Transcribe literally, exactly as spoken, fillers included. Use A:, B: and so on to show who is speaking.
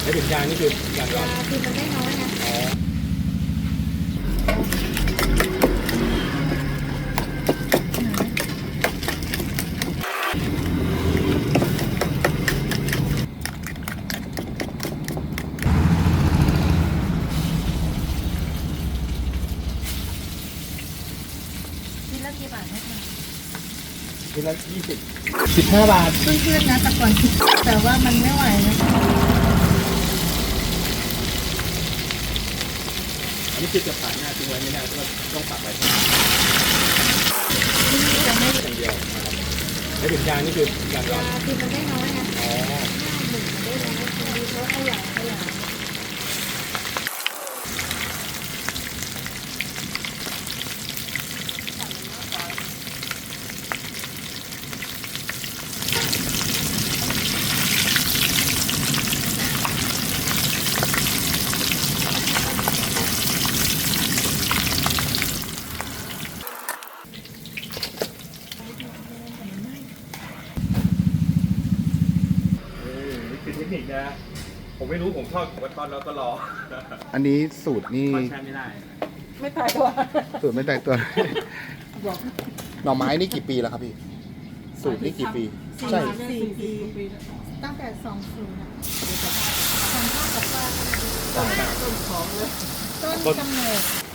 A: ไม่ถึงยางนี่คือยางก่อน
B: คือมันได้น้อยนะ
A: อ๋อ
B: คิดแล้วกี่บาทให้คะ
A: ทีละยี่สิบสิบห้าบาท
B: เพื่อนๆนะแต่ก่อนคิดแต่ว่ามันไม่ไหวนะ
A: อันนี้คือจะผ่านหน้าทิ้งไว้ไม่ได้เพราะว่าต้องปักไว้
B: ที่นี่จะไม่
A: อย่างเดียวนะครับไม่ถึงยางนี่คือยางก่อน
B: คือมันได้น้อยนะ
A: อ๋อ
B: หนึ่งมันได้น้อยคือเขาขยายขยาย
A: นี่คือเทคนิคนะผมไม่รู้ผมทอดผมก็ทอดแล้วก็รอ
C: อันนี้สูตรนี่
A: ทอดแช่ไม่ได้
B: ไม่ตายตัว
C: สูตรไม่แตกตัว หน่อไม้นี่กี่ปีแล้วครับพี่ สูตรนี่กี่ปี ใช่
B: สี่ปีตั้งแต่สองศูนย์อะทำข้าวกับป้าต้นต้นกำเนิด